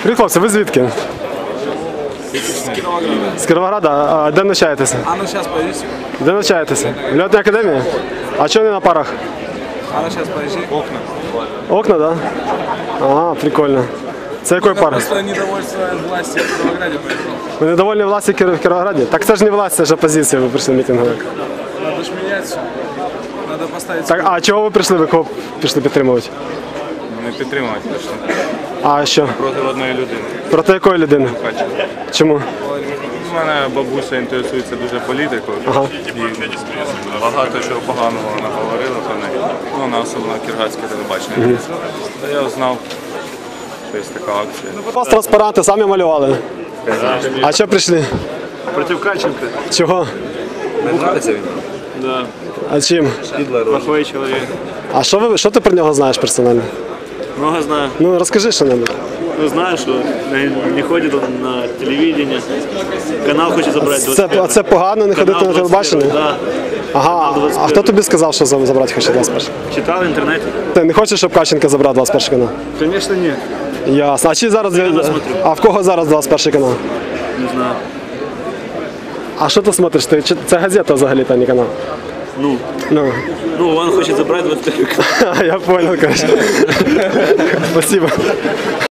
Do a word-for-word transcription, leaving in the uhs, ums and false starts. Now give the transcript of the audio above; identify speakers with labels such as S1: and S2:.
S1: Привіт, хлопці, ви звідки?
S2: З Кіровограда.
S1: З Кіровограда? А де навчаєтеся?
S2: А ну зараз подожди.
S1: Де навчаєтеся? В льотній академії? А чого не на парах?
S2: А ну зараз подожди. Окна.
S1: Окна, да? Ага, прикольно. Це якої
S2: Я
S1: пари?
S2: просто недовольство власти в Кіровограді поїхав.
S1: Ви недовольні власті в Кіровограді? Так це ж не власть, це ж опозиція, ви прийшли мітинговик.
S2: Надо ж мінятися. Надо поставити...
S1: Так, а чого ви прийшли? Ви кого пішли підтримувати?
S3: Не підтримувати точно.
S1: А що?
S3: Проти одної людини.
S1: Проти якої людини?
S3: Бачите.
S1: Чому?
S3: У мене бабуся інтересується дуже політикою.
S1: Ага.
S3: І багато чого поганого вона говорила про неї. Ну, вона особливо кіргатське телебачення. Та я знав, що є така акція.
S1: У вас транспаранти самі малювали. А що прийшли?
S4: Проти Кальченка.
S1: Чого?
S2: Не нравиться він?
S4: Да.
S1: А чим?
S4: Плохой человек.
S1: А що ви що ти про нього знаєш персонально?
S4: Много знаю.
S1: Ну розкажи що-небудь.
S4: Ну, знаю, что не- не ходит он на телевидение. Канал хочет забрать.
S1: Це, а це погано не ходити на телебачення?
S4: Да.
S1: Ага, а хто тобі сказав, що за- забрати хоче двадцять перший?
S4: Читал в интернете.
S1: Ти не хочеш, щоб Кащенко забрав двадцять перший канал?
S4: Конечно, нет.
S1: Ясно. А чи зараз а в кого зараз двадцять перший канал?
S4: Не знаю.
S1: А що ти смотриш? Ти чи- це газета взагалі, та не канал?
S4: Ну,
S1: Ну,
S4: ну он хочет забрать двадцать второй канал.
S1: я понял, короче. Спасибо.